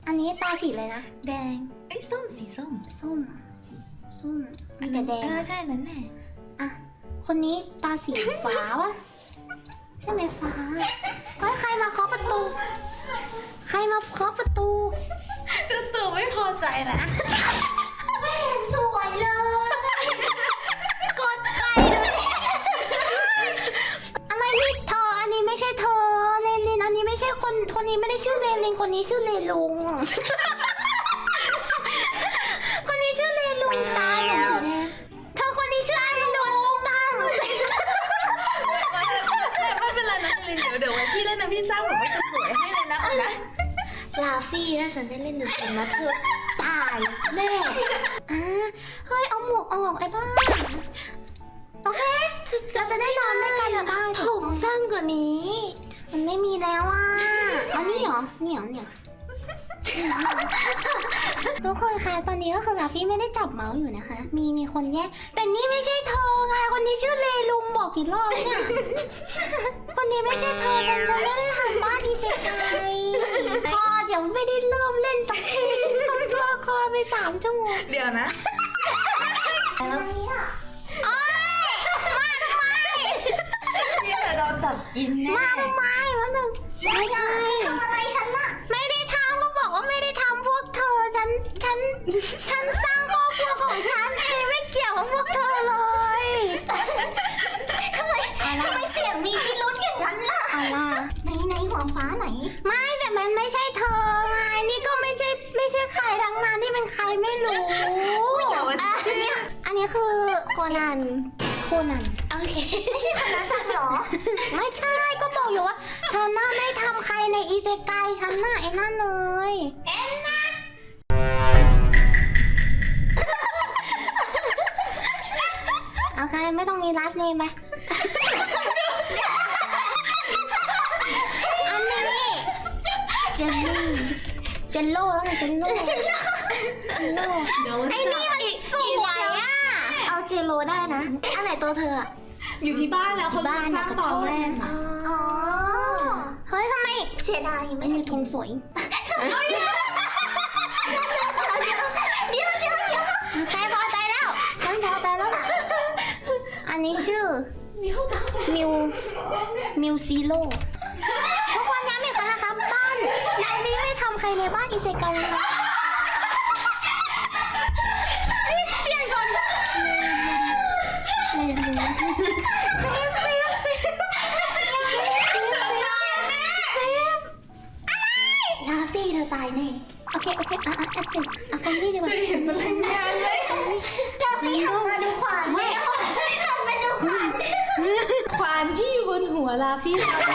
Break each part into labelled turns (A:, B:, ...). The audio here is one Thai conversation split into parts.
A: อันนี้ตาสีเลยนะ
B: แดงเอ้ยส้มสีส้ม
A: ส้มมีแต่แดง
B: ใช่นั่นแหละ
A: อ่ะคนนี้ตาสีฟ้าวะใช่ไหมฟ้าเฮ้ยใครมาเคาะประตู ใครมาเคาะประตู
B: เจ้าตัวไม่พอใจนะ
A: ไม่เห็นสวยเลย กดไปเลยอะไรนี่เธออันนี้ไม่ใช่เธอเลลินอันนี้ไม่ใช่คนนี้ไม่ได้ชื่อเลลินคนนี้ชื่อเลลุง คนนี้ชื่อเลลุงตาหนูสีแดงเธอคนนี้ชื่อเลลุงตาหนูสีแดง
B: ไม่เป็นไรนะเดี๋ยวไว้พี่เล่นนะพี่จ้างผมว่าจะสวยให้เลยนะเอานะ
A: ลาฟี่ถ้าฉันได้เล่นดูฉันนะเธอตายแน่เฮ้ยเอาหมวกออกไอ้บ้าโอเคจะได้นอนด้วยกันได้ผมสั้นกว่านี้ มันไม่มีแล้วอ่ะเอานี่เหรอเนี่ยทุกคนคะตอนนี้ก็คือลาฟี่ไม่ได้จับเมาส์อยู่นะคะ มีคนแยกแต่นี่ไม่ใช่เธอไงคนนี้ชื่อเลลุงบอกกี่รอบเนี่ยคนนี้ไม่ใช่เธอฉันจะไม่ได้ทำบ้านอีเซไกพอเดี๋ยวไม่ได้เริ่มเล่นสักทีทำตัวละครไป3 ชั่วโมง
B: เดี๋ยวนะ
A: อะไรอ่ะโอ๊ยมาทำไม
B: นี่เดี๋ยวเราจับกินแน่
A: มาทำไมมันถึงไม่ได้ทำอะไรฉันน่ะไม่ได้ทำก็บอกว่าไม่ได้ทำพวกเธอฉันสร้างครอบครัวของฉันเองไม่เกี่ยวกับพวกเธอเลยทำไมเสียงมีพิรุธอย่างนั้นล่ะอะไรในหัวฟ้าไหนไม่แต่มันไม่ใช่เธอไงนี่ก็ไม่ใช่ใครทั้งนั้นนี่เป็นใครไม่รู้
B: แต่ว่าชื่อ
A: อันนี้คือโคนันโอเคไม่ใช่โคนันจังหรอ ไม่ใช่ก็บอกอยู่ว่าฉันน่าไม่ทำใครในอีเซไกฉันน่ะไอ้นั่นเลยเอ็นนะโอเคไม่ต้องมีลาสเนมไปอันนี้เจลลี่เจลโล่แล้วไงเจลโล่ไอ้นี่มันสวยอ่ะเอาเจลโล่ได้นะอันไหนตัวเธออะ
B: อยู่ที่บ้านแล้วเขาสร้างตอนแรก
A: อ๋อเฮ้ยทำไมเสียดายไม่มีธงสวยเดี๋ยวใครพอใจแล้วฉันพอใจแล้วอันนี้ชื่อมิวซีโร่ทุกคนย้ำอีกครั้งนะครับบ้านอันนี้ไม่ทำใครในบ้านอีเซกันเลยนะเปลี่ยนคนลาฟี่เธอตายแน่โอเคแอดเป็นคนนี้ดีกว่า
B: จะเห็นพลังงานเลย
A: ลาฟี่หันมาดูขวานไม่หันมาดูขวาน
B: ควานที่อยู่บนหัวลาฟี่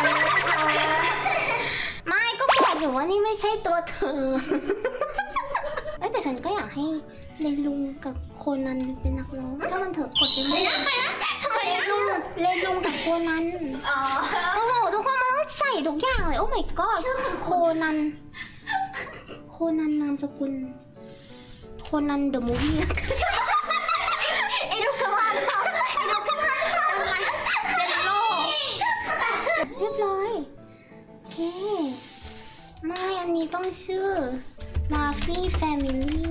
A: ไม่ก็บอกอยู่ว่านี่ไม่ใช่ตัวเธอแต่ฉันก็อยากให้เลลุงกับโคนันเป็นนักร้องถ้ามันเถอะกดไปเลยเลลุงกับโคนันโอ้โหทุกคนมันต้องใส่ทุกอย่างเลยโอ้ my god โคนันนามสกุลโคนันเดอะมูฟวี่ไอ้ลูกกระพานเจนโลเรียบร้อยโอเคไม่อันนี้ต้องชื่อมาฟี่แฟมิลี่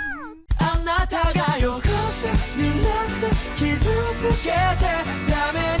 C: あなたが汚して濡らして傷つけてダメ